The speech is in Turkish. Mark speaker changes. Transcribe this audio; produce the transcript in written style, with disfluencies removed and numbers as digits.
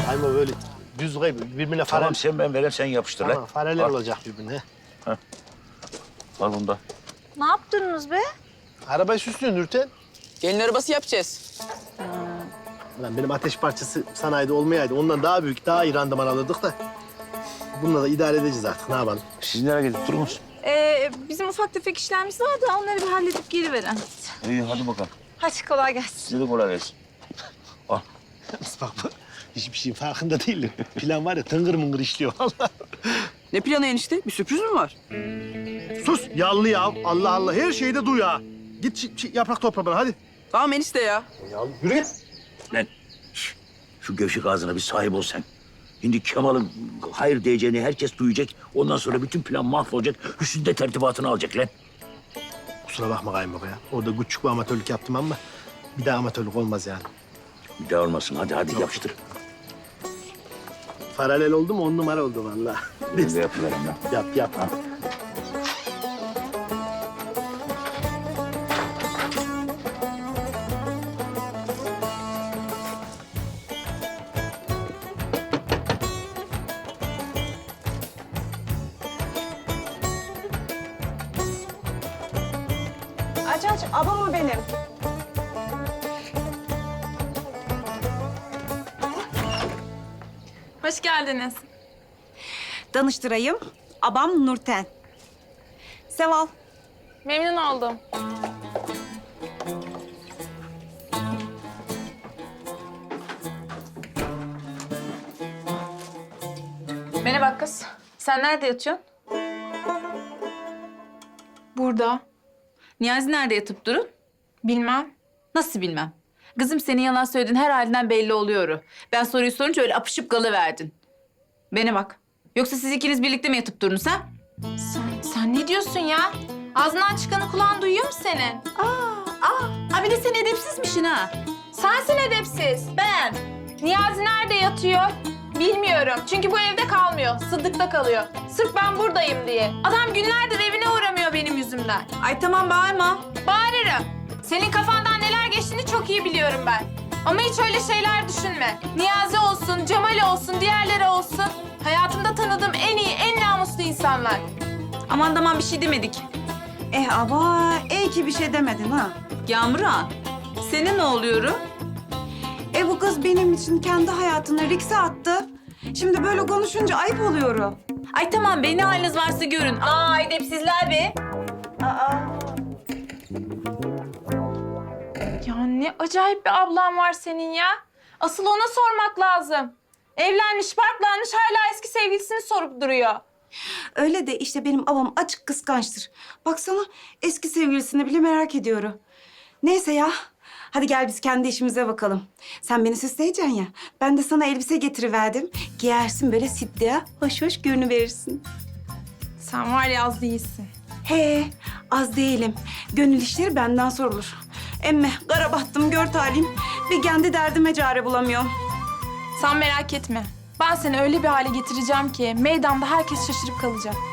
Speaker 1: Kayma böyle düz koy birbirine fare.
Speaker 2: Tamam sen ben verem sen yapıştır
Speaker 1: Tamam,
Speaker 2: lan.
Speaker 1: fareler
Speaker 2: Al.
Speaker 1: olacak birbirine.
Speaker 2: Al bunu da.
Speaker 3: Ne yaptınız be?
Speaker 1: Arabayı süslüyor Nurten.
Speaker 4: Gelin arabası yapacağız.
Speaker 1: Lan benim ateş parçası sanayide olmayaydı. Ondan daha büyük, daha iyi randıman alırdık da. Bununla da idare edeceğiz artık. Ne yapalım?
Speaker 2: Siz nereye gidip durunuz?
Speaker 3: Bizim ufak tefek işlerimiz var da onları bir halledip geri verin.
Speaker 2: İyi hadi bakalım.
Speaker 3: Hadi kolay gelsin.
Speaker 2: Size de kolay gelsin. Al.
Speaker 1: Bak hiçbir şeyin farkında değilim. Plan var ya tıngır mıngır işliyor vallahi.
Speaker 4: Ne planı enişte? Bir sürpriz mi var?
Speaker 1: Sus yallı ya. Allah Allah her şeyi de duy ha. Git yaprak topla bana hadi.
Speaker 4: Tamam enişte ya.
Speaker 1: Ya yürü git.
Speaker 2: Lan şu gevşek ağzına bir sahip ol sen. Şimdi Kemal'ın hayır diyeceğini herkes duyacak. Ondan sonra bütün plan mahvolacak. Hüsnü de tertibatını alacak lan.
Speaker 1: Kusura bakma kayınbaba ya. Orada küçük bir amatörlük yaptım ama bir daha amatörlük olmaz yani.
Speaker 2: Bir daha olmasın. Hadi yapıştır.
Speaker 1: Paralel oldu mu 10 numara oldu vallahi.
Speaker 2: Ben de yapıverem lan.
Speaker 1: Yap.
Speaker 5: Aç, abam o benim.
Speaker 3: Hoş geldiniz.
Speaker 5: Danıştırayım, abam Nurten. Seval.
Speaker 3: Memnun oldum. Bana bak kız. Sen nerede yatıyorsun?
Speaker 6: Burada.
Speaker 3: Niyazi nerede yatıp durun?
Speaker 6: Bilmem.
Speaker 3: Nasıl bilmem. Kızım senin yalan söylediğin her halinden belli oluyor. Ben soruyu sorunca öyle apışıp kalıverdin. Bana bak. Yoksa siz ikiniz birlikte mi yatıp durunuz ha?
Speaker 6: Sen ne diyorsun ya? Ağzından çıkanı kulağın duyuyor mu senin?
Speaker 3: Aa, bir de sen edepsizmişsin ha.
Speaker 6: Sensin edepsiz. Ben. Niyazi nerede yatıyor? Bilmiyorum. Çünkü bu evde kalmıyor. Sıddık'ta kalıyor. Sırf ben buradayım diye. Adam günlerdir evine uğramıyor benim yüzümden.
Speaker 3: Ay tamam bağırma.
Speaker 6: Bağırırım. Senin kafandan neler geçtiğini çok iyi biliyorum ben. Ama hiç öyle şeyler düşünme. Niyazi olsun, Cemal olsun, diğerleri olsun. Hayatımda tanıdığım en iyi, en namuslu insanlar.
Speaker 3: Aman bir şey demedik.
Speaker 5: Ama iyi ki bir şey demedin ha.
Speaker 3: Yağmur'a, senin ne oluyor?
Speaker 5: Bu kız benim için kendi hayatını rikse attı. Şimdi böyle konuşunca ayıp oluyor.
Speaker 3: Ay tamam be ne haliniz varsa görün. Aa edepsizler be.
Speaker 6: Ya ne acayip bir ablan var senin ya. Asıl ona sormak lazım. Evlenmiş, barklanmış, hala eski sevgilisini sorup duruyor.
Speaker 5: Öyle de işte benim babam açık kıskançtır. Baksana eski sevgilisini bile merak ediyorum. Neyse ya. Hadi gel biz kendi işimize bakalım. Sen beni süsleyeceksin ya. Ben de sana elbise getiriverdim. Giyersin böyle siddiye, hoş hoş görünüverirsin.
Speaker 6: Sen var ya az değilsin.
Speaker 5: He, az değilim. Gönül işleri benden sorulur. Emme kara battım gör talim. Bir kendi derdime çare bulamıyorum.
Speaker 6: Sen merak etme. Ben seni öyle bir hale getireceğim ki meydanda herkes şaşırıp kalacak.